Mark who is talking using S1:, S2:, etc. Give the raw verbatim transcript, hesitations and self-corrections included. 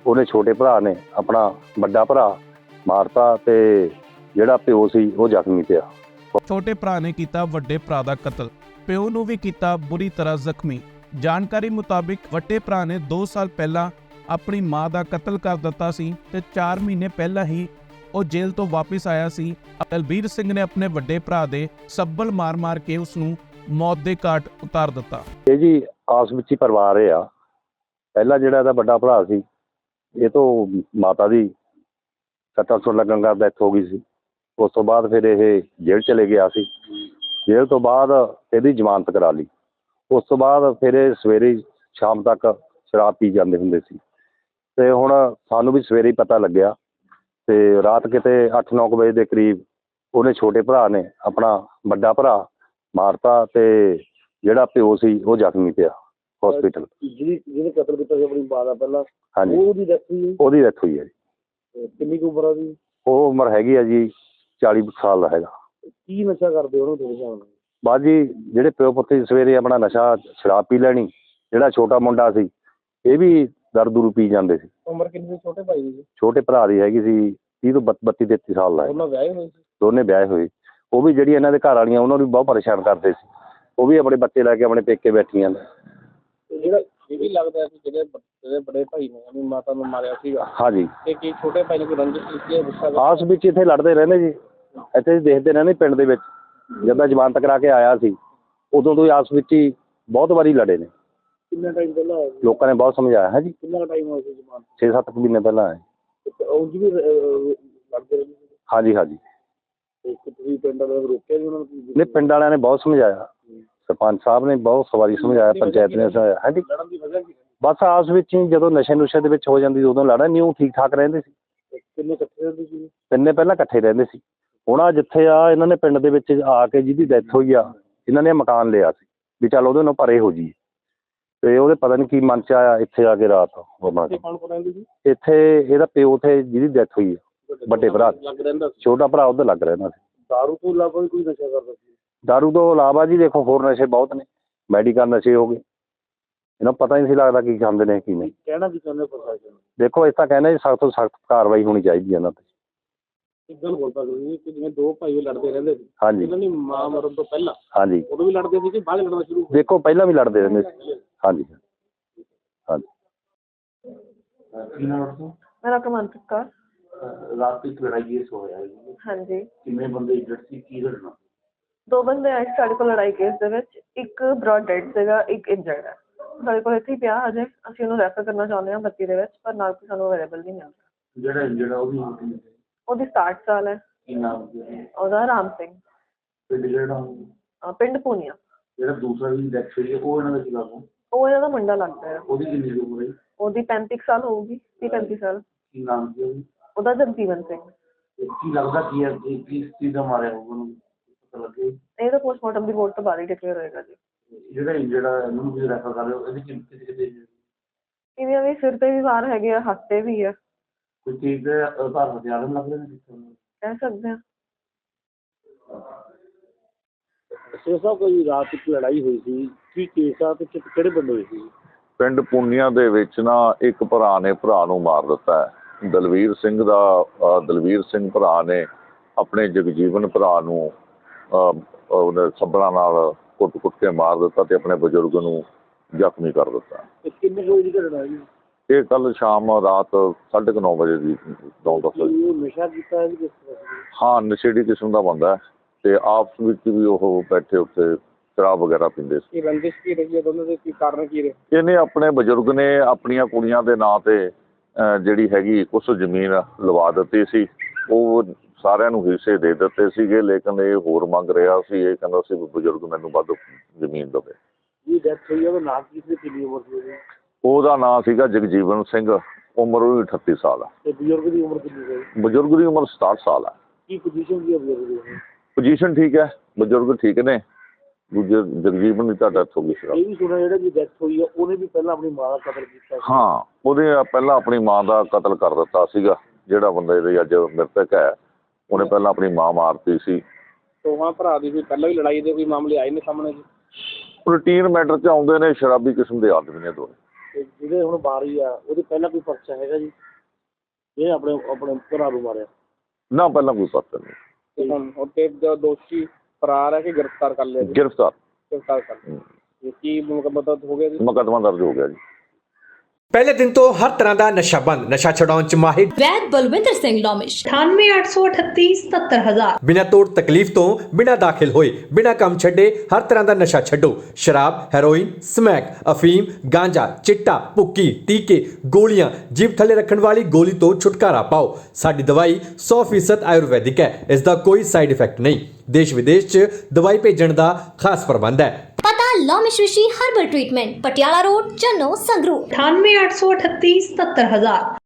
S1: ਉਹਨੇ ਛੋਟੇ ਭਰਾ ਨੇ ਆਪਣਾ ਵੱਡਾ ਭਰਾ ਮਾਰਤਾ ਤੇ ਜਿਹੜਾ ਪਿਓ ਸੀ ਉਹ ਜ਼ਖਮੀ ਪਿਆ।
S2: ਛੋਟੇ ਭਰਾ ਨੇ ਕੀਤਾ ਵੱਡੇ ਭਰਾ ਦਾ ਕਤਲ, ਪਿਓ ਨੂੰ ਵੀ ਕੀਤਾ ਬੁਰੀ ਤਰ੍ਹਾਂ ਜ਼ਖਮੀ। ਜਾਣਕਾਰੀ ਮੁਤਾਬਿਕ ਵੱਡੇ ਭਰਾ ਨੇ ਦੋ ਸਾਲ ਪਹਿਲਾਂ ਆਪਣੀ ਮਾਂ ਦਾ ਕਤਲ ਕਰ ਦਿੱਤਾ ਸੀ ਤੇ ਚਾਰ ਮਹੀਨੇ ਪਹਿਲਾਂ ਹੀ ਉਹ ਜੇਲ੍ਹ ਤੋਂ ਵਾਪਸ ਆਇਆ ਸੀ। ਦਲਬੀਰ ਸਿੰਘ ਨੇ ਆਪਣੇ ਵੱਡੇ ਭਰਾ ਦੇ ਸੱਬਲ ਮਾਰ-ਮਾਰ ਕੇ ਉਸ ਨੂੰ ਮੌਤ ਦੇ ਘਾਟ ਉਤਾਰ ਦਿੱਤਾ।
S1: ਇਹ ਜੀ ਆਸ ਵਿੱਚ ਹੀ ਪਰਿਵਾਰ ਇਹ ਆ। ਪਹਿਲਾਂ ਜਿਹੜਾ ਇਹਦਾ ਵੱਡਾ ਭਰਾ ਸੀ, ਇਹ ਤੋਂ ਮਾਤਾ ਦੀ ਸੱਟਾਂ ਸੁੱਟ ਲੱਗਣ ਦਾ ਡੈਥ ਹੋ ਗਈ ਸੀ। ਉਸ ਤੋਂ ਬਾਅਦ ਫਿਰ ਇਹ ਜੇਲ੍ਹ ਚਲੇ ਗਿਆ ਸੀ। ਜੇਲ੍ਹ ਤੋਂ ਬਾਅਦ ਇਹਦੀ ਜ਼ਮਾਨਤ ਕਰਾ ਲਈ। ਉਸ ਤੋਂ ਬਾਅਦ ਫਿਰ ਇਹ ਸਵੇਰੇ ਸ਼ਾਮ ਤੱਕ ਸ਼ਰਾਬ ਪੀ ਜਾਂਦੇ ਹੁੰਦੇ ਸੀ ਤੇ ਹੁਣ ਸਾਨੂੰ ਵੀ ਸਵੇਰੇ ਹੀ ਪਤਾ ਲੱਗਿਆ ਤੇ ਰਾਤ ਕਿਤੇ ਅੱਠ ਨੌ ਕੁ ਵਜੇ ਦੇ ਕਰੀਬ ਉਹਨੇ ਛੋਟੇ ਭਰਾ ਨੇ ਆਪਣਾ ਵੱਡਾ ਭਰਾ ਮਾਰਤਾ ਤੇ ਜਿਹੜਾ ਪਿਓ ਸੀ ਉਹ ਜ਼ਖਮੀ ਪਿਆ ਹਸਪੀਟਲ।
S3: ਜਿਹਦੀ ਜਿਹਨੇ ਕਤਲ ਕੀਤਾ ਸੀ ਆਪਣੀ ਮਾਂ ਦਾ ਪਹਿਲਾਂ,
S1: ਹਾਂਜੀ
S3: ਉਹਦੀ ਡੈਥ ਹੋਈ?
S1: ਉਹਦੀ ਡੈਥ ਹੋਈ ਹੈ ਜੀ।
S3: ਕਿੰਨੀ ਕੁ ਉਮਰ ਆ ਉਹਦੀ?
S1: ਉਹ ਉਮਰ ਹੈਗੀ ਆ ਜੀ ਚਾਲੀ ਸਾਲ ਦਾ ਹੈਗਾ।
S3: ਕੀ ਨਸ਼ਾ ਕਰਦੇ ਉਹਨੂੰ ਤੁਹਾਡੇ ਹਿਸਾਬ ਨਾਲ?
S1: ਬਾਅਦ ਜੀ ਜਿਹੜੇ ਪਿਓ ਪੁੱਤ ਸੀ ਸਵੇਰੇ ਆਪਣਾ ਨਸ਼ਾ ਸ਼ਰਾਬ ਪੀ ਲੈਣੀ। ਜਿਹੜਾ ਛੋਟਾ ਮੁੰਡਾ ਸੀ ਇਹ ਵੀ ਦਾਰੂ ਦੂਰੂ ਪੀ ਜਾਂਦੇ ਸੀ।
S3: ਉਮਰ ਕਿੰਨੀ ਸੀ ਛੋਟੇ ਭਾਈ ਦੀ?
S1: ਛੋਟੇ ਭਰਾ ਦੀ ਹੈਗੀ ਸੀ ਤੀਹ ਤੋਂ ਬੱਤੀ ਤੇਤੀ ਸਾਲ ਦਾ ਹੈ।
S3: ਉਹਨਾਂ ਵਿਆਹੇ ਹੋਏ ਸੀ?
S1: ਦੋਨੇ ਵਿਆਹੇ ਹੋਏ। ਉਹ ਵੀ ਜਿਹੜੀ ਇਹਨਾਂ ਦੇ ਘਰ ਵਾਲੀਆਂ ਉਹਨਾਂ ਨੂੰ ਵੀ ਬਹੁਤ ਪਰੇਸ਼ਾਨ ਕਰਦੇ ਸੀ। ਉਹ ਵੀ ਆਪਣੇ ਬੱਚੇ ਲੈ ਕੇ ਆਪਣੇ ਪੇਕੇ ਬੈਠੀਆਂ ਨੇ।
S3: ਜਿਹੜਾ ਇਹ ਵੀ ਲੱਗਦਾ ਸੀ ਜਿਹੜੇ ਜਿਹੜੇ ਬੜੇ ਭਾਈ ਨੇ ਆਪਣੀ ਮਾਤਾ ਨੂੰ ਮਾਰਿਆ ਸੀਗਾ,
S1: ਹਾਂਜੀ,
S3: ਤੇ ਕੀ ਛੋਟੇ ਭਾਈ ਨੇ ਕੋਈ ਰੰਜਿਸ਼ ਕੀਤੀ ਹੈ? ਗੁੱਸਾ
S1: ਆਸ ਵਿੱਚ ਇੱਥੇ ਲੜਦੇ ਰਹਿੰਦੇ ਜੀ। ਇੱਥੇ ਦੇਖਦੇ ਰਹਿੰਦੇ ਪਿੰਡ ਦੇ ਵਿੱਚ। ਜਦੋਂ ਜ਼ਮਾਨਤ ਕਰਾ ਕੇ ਆਇਆ ਸੀ ਉਦੋਂ ਤੋਂ ਹੀ ਆਸ ਵਿੱਚ ਹੀ ਬਹੁਤ ਵਾਰੀ ਲੜੇ ਨੇ।
S3: ਕਿੰਨਾ ਟਾਈਮ ਪਹਿਲਾਂ ਹੋਇਆ ਸੀ?
S1: ਲੋਕਾਂ ਨੇ ਬਹੁਤ ਸਮਝਾਇਆ ਹੈ ਜੀ।
S3: ਕਿੰਨਾ ਟਾਈਮ ਹੋਇਆ ਸੀ ਜ਼ਮਾਨਤ?
S1: ਛੇ ਸੱਤ ਮਹੀਨੇ ਪਹਿਲਾਂ ਆਏ।
S3: ਉਂਝ ਵੀ ਅਹ, ਲੜਦੇ ਰਹਿੰਦੇ ਸੀ?
S1: ਹਾਂਜੀ ਹਾਂਜੀ।
S3: ਤੇ ਤੁਸੀਂ ਪਿੰਡ ਵਾਲਿਆਂ ਨੂੰ ਰੋਕਿਆ ਸੀ ਉਹਨਾਂ ਨੂੰ?
S1: ਨਹੀਂ, ਪਿੰਡ ਵਾਲਿਆਂ ਨੇ ਬਹੁਤ ਸਮਝਾਇਆ। ਸਰਪੰਚ ਸਾਹਿਬ ਨੇ ਬਹੁਤ ਸਵਾਰੀ ਸਮਝਾਇਆ, ਪੰਚਾਇਤ ਨੇ ਸਮਝਾਇਆ ਹੈ ਜੀ।
S3: ਲੜਨ ਦੀ ਵਜ੍ਹਾ ਕੀ?
S1: ਬਸ ਆਸ ਵਿੱਚ ਹੀ ਜਦੋਂ ਨਸ਼ੇ ਨੁਸ਼ੇ ਦੇ ਵਿੱਚ ਹੋ ਜਾਂਦੀ ਉਦੋਂ ਲੜਾ ਨਹੀਂ। ਉਹ ਠੀਕ ਠਾਕ ਰਹਿੰਦੇ ਸੀ।
S3: ਕਿੰਨੇ ਇਕੱਠੇ ਰਹਿੰਦੇ ਸੀ?
S1: ਤਿੰਨੇ ਪਹਿਲਾਂ ਇਕੱਠੇ ਰਹਿੰਦੇ ਸੀ। ਹੁਣ ਆ ਜਿੱਥੇ ਆ ਇਹਨਾਂ ਨੇ ਪਿੰਡ ਦੇ ਵਿੱਚ ਆ ਕੇ ਜਿਹਦੀ ਡੈਥ ਹੋਈ ਆ, ਇਹਨਾਂ ਨੇ ਮਕਾਨ ਲਿਆ ਸੀ ਵੀ ਚੱਲ ਉਹਦੇ ਨਾਲ ਪਰੇ ਹੋ ਜੀ। ਤੇ ਉਹਦੇ ਪਤਾ ਨਹੀਂ ਕੀ ਮਨ ਚ ਆਇਆ ਇੱਥੇ ਆ ਕੇ ਰਾਤ ਹੋਣਾ।
S3: ਕੌਣ ਕੌਣ ਰਹਿੰਦੇ ਸੀ
S1: ਇੱਥੇ? ਇਹਦਾ ਪਿਓ ਤੇ ਜਿਹਦੀ ਡੈਥ ਹੋਈ ਆ ਵੱਡੇ ਭਰਾ,
S3: ਲੱਗ ਰਹਿੰਦਾ ਸੀ?
S1: ਛੋਟਾ ਭਰਾ ਉਹਦਾ ਲੱਗ ਰਹਿੰਦਾ ਸੀ।
S3: ਦਾਰੂ ਤੋਂ ਇਲਾਵਾ ਵੀ ਕੋਈ ਨਸ਼ਾ ਕਰਦਾ ਸੀ?
S1: ਦਾਰੂ ਤੋਂ ਇਲਾਵਾ ਜੀ ਦੇਖੋ ਹੋਰ ਨਸ਼ੇ ਬਹੁਤ ਨੇ। ਮੈਡੀਕਲ ਨਸ਼ੇ ਹੋ ਗਏ। ਇਹਨਾਂ ਨੂੰ ਪਤਾ ਹੀ ਨਹੀਂ ਸੀ ਲੱਗਦਾ ਕੀ ਖਾਂਦੇ ਨੇ ਕੀ ਨਹੀਂ।
S3: ਕਹਿਣਾ ਕੀ ਚਾਹੁੰਦੇ ਪ੍ਰਸ਼ਾਸਨ?
S1: ਦੇਖੋ ਇਸ ਤਾਂ ਕਹਿੰਦੇ ਜੀ ਸਖਤ ਤੋਂ ਸਖਤ ਕਾਰਵਾਈ ਹੋਣੀ ਚਾਹੀਦੀ ਹੈ ਇਹਨਾਂ ਤੇ।
S3: ਇੱਕ ਗੱਲ ਬੋਲਦਾ ਤੁਸੀਂ ਕਿ ਜਿਵੇਂ ਦੋ ਭਾਈ ਲੜਦੇ ਰਹਿੰਦੇ ਸੀ,
S1: ਹਾਂਜੀ
S3: ਇਹਨਾਂ ਦੀ ਮਾਂ ਮਰਨ ਤੋਂ ਪਹਿਲਾਂ
S1: ਹਾਂਜੀ।
S3: ਉਦੋਂ ਵੀ ਲੜਦੇ ਸੀ ਕਿ ਬਾਅਦ ਲੜਨਾ ਸ਼ੁਰੂ?
S1: ਦੇਖੋ ਪਹਿਲਾਂ ਵੀ ਲੜਦੇ ਰਹਿੰਦੇ ਸੀ। ਹਾਂਜੀ ਹਾਂਜੀ।
S4: ਮੇਰਾ ਕਮੰਤ ਕੌਰ।
S3: ਰਾਤ ਇੱਕ ਲੜਾਈ ਕੇਸ ਹੋਇਆ ਹੈ?
S4: ਹਾਂਜੀ।
S3: ਕਿੰਨੇ ਬੰਦੇ ਇੰਜਰਡ ਸੀ? ਕੀ ਘਟਨਾ?
S4: ਦੋ ਬੰਦੇ ਆਏ ਸੀ ਸਾਡੇ ਕੋਲ ਲੜਾਈ ਕੇਸ ਦੇ ਵਿੱਚ। ਇੱਕ ਬ੍ਰੌਡ ਡੈਡ ਸੀਗਾ, ਇੱਕ ਇੰਜਰਡ ਹੈ। ਸਾਡੇ ਕੋਲ ਇੱਥੇ ਹੀ ਪਿਆ ਹਜੇ। ਅਸੀਂ ਉਹਨੂੰ ਰੈਫਰ ਕਰਨਾ ਚਾਹੁੰਦੇ ਹਾਂ ਬੱਤੀ ਦੇ ਵਿੱਚ, ਪਰ ਨਾਲ ਕੋਈ ਸਾਨੂੰ ਅਵੇਲੇਬਲ ਨਹੀਂ ਮਿਲ ਰਿਹਾ।
S3: ਜਿਹੜਾ ਇੰਜਰਡ ਆ ਉਹਦੀ ਉਮਰ ਕਿੰਨੀ ਸੀ?
S4: ਉਹਦੀ ਸਤਾਹਠ ਸਾਲ ਹੈ।
S3: ਕੀ ਨਾਮ ਸੀ
S4: ਉਹਦਾ ਰਾਮ ਸਿੰਘ।
S3: ਪਿੰਡ ਜਿਹੜਾ
S4: ਅਹ ਪਿੰਡ ਪੂਨੀਆ।
S3: ਜਿਹੜਾ ਦੂਸਰਾ ਵੀ ਡੈਥ ਹੋਈ ਹੈ ਉਹ ਇਹਨਾਂ ਦਾ ਕੀ ਲੱਗਦਾ?
S4: ਉਹ ਇਹਨਾਂ ਦਾ ਮੁੰਡਾ ਲੱਗਦਾ ਹੈ।
S3: ਉਹਦੀ ਕਿੰਨੀ ਕੁ ਉਮਰ ਹੈ?
S4: ਉਹਦੀ ਪੈਂਤੀ ਕੁ ਸਾਲ ਹੋਊਗੀ, ਤੀਹ ਪੈਂਤੀ ਸਾਲ।
S3: ਕੀ ਨਾਮ ਸੀ ਉਹਦੀ?
S4: ਉਹਦਾ ਜਗਜੀਵਨ ਸਿੰਘ।
S3: ਤੇ ਕੀ ਲੱਗਦਾ ਕੀ ਹੈ ਕਿ ਕਿਸ ਚੀਜ਼ ਦਾ ਮਾਰਿਆ ਹੋਊਗਾ ਉਹਨੂੰ? ਪਤਾ ਲੱਗੇ?
S4: ਇਹ ਤਾਂ ਪੋਸਟਮਾਰਟਮ ਰਿਪੋਰਟ ਤੋਂ ਬਾਅਦ ਹੀ ਡਿਕਲੇਅਰ ਹੋਏਗਾ ਜੀ।
S3: ਜਿਹੜਾ ਜਿਹੜਾ ਇਹਨੂੰ ਤੁਸੀਂ ਰੈਫਰ ਕਰ ਰਹੇ ਹੋ ਇਹਦੀ ਕਿੰਨੀ ਕਿਤੇ ਕਿਤੇ
S4: ਇਹਦੀਆਂ ਵੀ ਸਿਰ ਤੇ ਵੀ ਵਾਰ ਹੈਗੇ ਆ, ਹੱਥ ਤੇ ਵੀ ਆ।
S3: ਕੋਈ ਚੀਜ਼ ਦੇ ਆਧਾਰ ਹਥਿਆਰ ਲੱਗ ਰਹੇ ਨੇ?
S4: ਕਹਿ ਸਕਦੇ ਹਾਂ।
S3: ਸੇ ਸਾਹਿਬ ਕੋਈ ਰਾਤ ਇੱਕ ਲੜਾਈ ਹੋਈ ਸੀ, ਕੀ ਕੇਸ ਆ ਤੇ ਕਿਹੜੇ ਬੰਦੇ ਹੋਏ ਸੀ?
S5: ਪਿੰਡ ਪੁੰਨੀਆਂ ਦੇ ਵਿੱਚ ਨਾ ਇੱਕ ਭਰਾ ਨੇ ਭਰਾ ਨੂੰ ਮਾਰ ਦਿੱਤਾ ਹੈ। ਦਲਵੀਰ ਸਿੰਘ ਦਾ ਅਹ ਦਲਵੀਰ ਸਿੰਘ ਭਰਾ ਨੇ ਆਪਣੇ ਜਗਜੀਵਨ ਭਰਾ ਨੂੰ ਅਹ ਉਹਨੇ ਸੱਬਲਾਂ ਨਾਲ ਕੁੱਟ ਕੁੱਟ ਕੇ ਮਾਰ ਦਿੱਤਾ ਤੇ ਆਪਣੇ ਬਜ਼ੁਰਗ ਨੂੰ ਜ਼ਖਮੀ ਕਰ ਦਿੱਤਾ।
S3: ਕਿੰਨੇ ਵਜੇ ਦੀ ਘਟਨਾ ਜੀ?
S5: ਇਹ ਕੱਲ ਸ਼ਾਮ ਰਾਤ ਸਾਢੇ ਕੁ ਨੌ ਵਜੇ ਦੀ ਨੌ ਦਸ ਵਜੇ।
S3: ਉਹ ਨਸ਼ਾ ਕੀਤਾ ਹੈ ਜੀ ਕਿਸ ਤਰ੍ਹਾਂ?
S5: ਹਾਂ, ਨਸ਼ੇੜੀ ਕਿਸਮ ਦਾ ਬੰਦਾ ਹੈ ਤੇ ਆਪਸ ਵਿੱਚ ਵੀ ਉਹ ਬੈਠੇ ਉੱਤੇ ਸ਼ਰਾਬ ਵਗੈਰਾ ਪੀਂਦੇ ਸੀ।
S3: ਇਹ ਰੰਜਿਸ਼ ਕੀ ਰਹੀ ਹੈ ਦੋਨਾਂ ਦੇ? ਕੀ ਕਾਰਨ ਕੀ ਰਹੇ?
S5: ਇਹਨੇ ਆਪਣੇ ਬਜ਼ੁਰਗ ਨੇ ਆਪਣੀਆਂ ਕੁੜੀਆਂ ਦੇ ਨਾਂ ਤੇ ਅਹ ਜਿਹੜੀ ਹੈਗੀ ਕੁਛ ਜ਼ਮੀਨ ਲਵਾ ਦਿੱਤੀ ਸੀ। ਉਹ ਸਾਰਿਆਂ ਨੂੰ ਹਿੱਸੇ ਦੇ ਦਿੱਤੇ ਸੀਗੇ, ਲੇਕਿਨ ਇਹ ਹੋਰ ਮੰਗ ਰਿਹਾ ਸੀ। ਇਹ ਕਹਿੰਦਾ ਸੀ ਵੀ ਬਜ਼ੁਰਗ ਮੈਨੂੰ ਵੱਧ ਜ਼ਮੀਨ ਦੇਵੇ।
S3: ਜੀ ਡੈਥ ਹੋਈ ਉਹਦਾ ਨਾਮ ਕੀ ਸੀ? ਕਿੰਨੀ ਉਮਰ ਸੀ ਉਹਦੀ?
S5: ਉਹਦਾ ਨਾਂ ਸੀਗਾ ਜਗਜੀਵਨ ਸਿੰਘ। ਉਮਰ ਉਹਦੀ ਅਠੱਤੀ ਸਾਲ ਆ।
S3: ਤੇ ਬਜ਼ੁਰਗ ਦੀ ਉਮਰ ਕਿੰਨੀ ਸੀ?
S5: ਬਜ਼ੁਰਗ ਦੀ ਉਮਰ ਸਤਾਹਠ ਸਾਲ ਆ।
S3: ਕੀ ਪੋਜੀਸ਼ਨ ਸੀ ਬਜ਼ੁਰਗ ਦੀ?
S5: ਪੋਜੀਸ਼ਨ ਠੀਕ ਹੈ, ਬਜ਼ੁਰਗ ਠੀਕ ਨੇ। ਦੂਜੇ ਜਗਜੀਵਨ ਦੀ ਤਾਂ ਡੈਥ ਹੋ ਗਈ ਸੀ।
S3: ਇਹ ਵੀ ਸੁਣਿਆ ਜਿਹੜਾ ਜੀ ਡੈਥ ਹੋਈ ਆ ਉਹਨੇ ਵੀ ਪਹਿਲਾਂ ਆਪਣੀ ਮਾਂ ਦਾ ਕਤਲ ਕੀਤਾ ਸੀ?
S5: ਹਾਂ, ਉਹਦੇ ਪਹਿਲਾਂ ਆਪਣੀ ਮਾਂ ਦਾ ਕਤਲ ਕਰ ਦਿੱਤਾ ਸੀਗਾ। ਜਿਹੜਾ ਬੰਦਾ ਇਹਦੇ ਅੱਜ ਮ੍ਰਿਤਕ ਹੈ ਉਹਨੇ ਪਹਿਲਾਂ ਆਪਣੀ ਮਾਂ ਮਾਰਤੀ ਸੀ।
S3: ਦੋਵਾਂ ਭਰਾ ਦੀ ਕੋਈ ਪਹਿਲਾਂ ਵੀ ਲੜਾਈ ਦੇ ਕੋਈ ਮਾਮਲੇ ਆਏ ਨੇ ਸਾਹਮਣੇ ਜੀ?
S5: ਰੂਟੀਨ ਮੈਟਰ 'ਚ ਆਉਂਦੇ ਨੇ। ਸ਼ਰਾਬੀ ਕਿਸਮ ਦੇ ਆਦਮੀ ਨੇ ਦੋਵੇਂ।
S3: ਤੇ ਜਿਹੜੇ ਹੁਣ ਬਾਰੀ ਆ ਉਹਦੇ ਪਹਿਲਾਂ ਕੋਈ ਪਰਚਾ ਹੈਗਾ ਜੀ ਇਹ ਆਪਣੇ ਆਪਣੇ ਭਰਾ ਨੂੰ ਮਾਰਿਆ?
S5: ਨਾ ਪਹਿਲਾਂ ਕੋਈ ਪਤਾ ਨਹੀਂ।
S3: ਤੇ ਹੁਣ ਉੱਤੇ ਦੋਸ਼ੀ ਫਰਾਰ ਹੈ ਕਿ ਗ੍ਰਿਫਤਾਰ ਕਰ ਲਿਆ ਜੀ?
S5: ਗ੍ਰਿਫਤਾਰ
S3: ਗ੍ਰਿਫਤਾਰ ਕਰ ਲਿਆ। ਇਹ ਕੀ ਮੁਕੱਦਮਾ ਹੋ ਗਿਆ ਜੀ?
S5: ਮੁਕੱਦਮਾ ਦਰਜ ਹੋ ਗਿਆ ਜੀ।
S6: ਪਹਿਲੇ ਦਿਨ ਤੋਂ ਹਰ ਤਰ੍ਹਾਂ ਦਾ ਨਸ਼ਾ ਬੰਦ, ਨਸ਼ਾ ਛਡਾਉਣ ਚ ਮਾਹਿਰ
S7: ਵੈਦ ਬਲਵਿੰਦਰ ਸਿੰਘ ਲੋਮਿਸ਼ ਅਠਾਨਵੇਂ ਅੱਠ ਸੌ ਅਠੱਤੀ ਸਤੱਤਰ ਹਜ਼ਾਰ।
S6: ਬਿਨਾਂ ਤੋੜ ਤਕਲੀਫ ਤੋਂ, ਬਿਨਾਂ ਦਾਖਲ ਹੋਏ, ਬਿਨਾਂ ਕੰਮ ਛੱਡੇ ਹਰ ਤਰ੍ਹਾਂ ਦਾ ਨਸ਼ਾ ਛੱਡੋ। ਸ਼ਰਾਬ, ਹੈਰੋਇਨ, ਸਮੈਕ, ਅਫੀਮ, ਗਾਂਜਾ, ਚਿੱਟਾ, ਭੁੱਕੀ, ਟੀਕੇ, ਗੋਲੀਆਂ, ਜੀਭ ਥੱਲੇ ਰੱਖਣ ਵਾਲੀ ਗੋਲੀ ਤੋਂ ਛੁਟਕਾਰਾ ਪਾਓ। ਸਾਡੀ ਦਵਾਈ ਸੌ ਫੀਸਦ ਆਯੁਰਵੈਦਿਕ ਹੈ, ਇਸ ਦਾ ਕੋਈ ਸਾਈਡ ਇਫੈਕਟ ਨਹੀਂ। ਦੇਸ਼ ਵਿਦੇਸ਼ 'ਚ ਦਵਾਈ ਭੇਜਣ ਦਾ ਖਾਸ ਪ੍ਰਬੰਧ ਹੈ।
S7: ਪਤਾ Lomish Rishi herbal treatment, Patiala road, Channo, Sangrur ਅਠਾਨਵੇਂ ਅੱਠ ਸੌ ਅਠੱਤੀ ਸਤੱਤਰ ਹਜ਼ਾਰ।